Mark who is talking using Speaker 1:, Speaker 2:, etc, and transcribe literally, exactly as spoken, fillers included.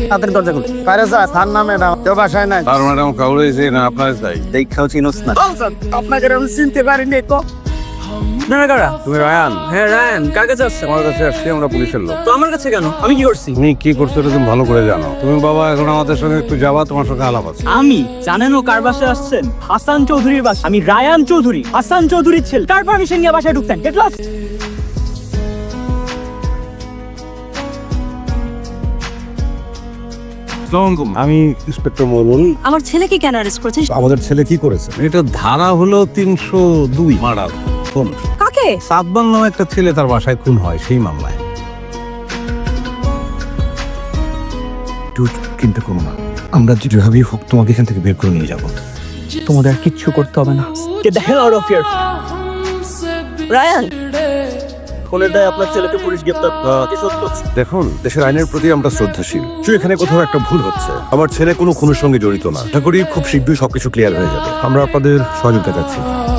Speaker 1: তাদের দরজা খুলে কারে স্যার স্যার না ম্যাডাম কেউ বাসায় নাই
Speaker 2: আর ম্যাডাম কাউরেছে না আপনার চাই
Speaker 1: দেখাও চিনোস না আপনাকে আমি চিনতে পারিনি তো
Speaker 3: আপনারা কারা?
Speaker 2: তুমি রায়ান
Speaker 3: হ্যাঁ রায়ান, কার কাছে আসছেন?
Speaker 2: আমার কাছে আসছি আমরা পুলিশের লোক।
Speaker 3: তো আমার কাছে কেন? আমি কি করছি?
Speaker 2: তুমি কি করছো এটা তুমি ভালো করে জানো। তুমি বাবা এখন আমাদের সঙ্গে একটু যাবা, তোমার সঙ্গে আলাপ আছে।
Speaker 3: আমি জানেনও কার বাসায় আসছেন? হাসান চৌধুরীর বাসা। আমি রায়ান চৌধুরী, হাসান চৌধুরীর ছেলে। কার পারমিশন নিয়ে বাসায় ঢুকতেন? Get lost.
Speaker 2: আমি ইন্সপেক্টর মরুল।
Speaker 4: আমার ছেলেকে কেন অ্যারেস্ট করেছেন?
Speaker 2: আমাদের ছেলে কি করেছে? এটা ধারা হলো তিনশো দুই মার্ডার খুন।
Speaker 4: কাকে?
Speaker 2: সাতবাং নামে একটা ছেলে তার বাসায় খুন হয় সেই মামলায়। চিন্তা করো না, আমরা যেভাবেই হোক তোমাকে এখান থেকে বের করে নিয়ে যাবো।
Speaker 3: তোমাদের আর কিচ্ছু করতে হবে না। Get the hell out of here.
Speaker 4: Ryan,
Speaker 1: ফোনের দায় আপনার ছেলেকে পুলিশ গ্রেপ্তার কি সত্য?
Speaker 2: দেখুন, দেশের আইনের প্রতি আমরা শ্রদ্ধাশীল। তো এখানে কোথাও একটা ভুল হচ্ছে। আমার ছেলে কোনো খুনের সঙ্গে জড়িত না। আশা করি খুব শীঘ্রই সবকিছু ক্লিয়ার হয়ে যাবে। আমরা আপনাদের সহযোগিতা চাচ্ছি।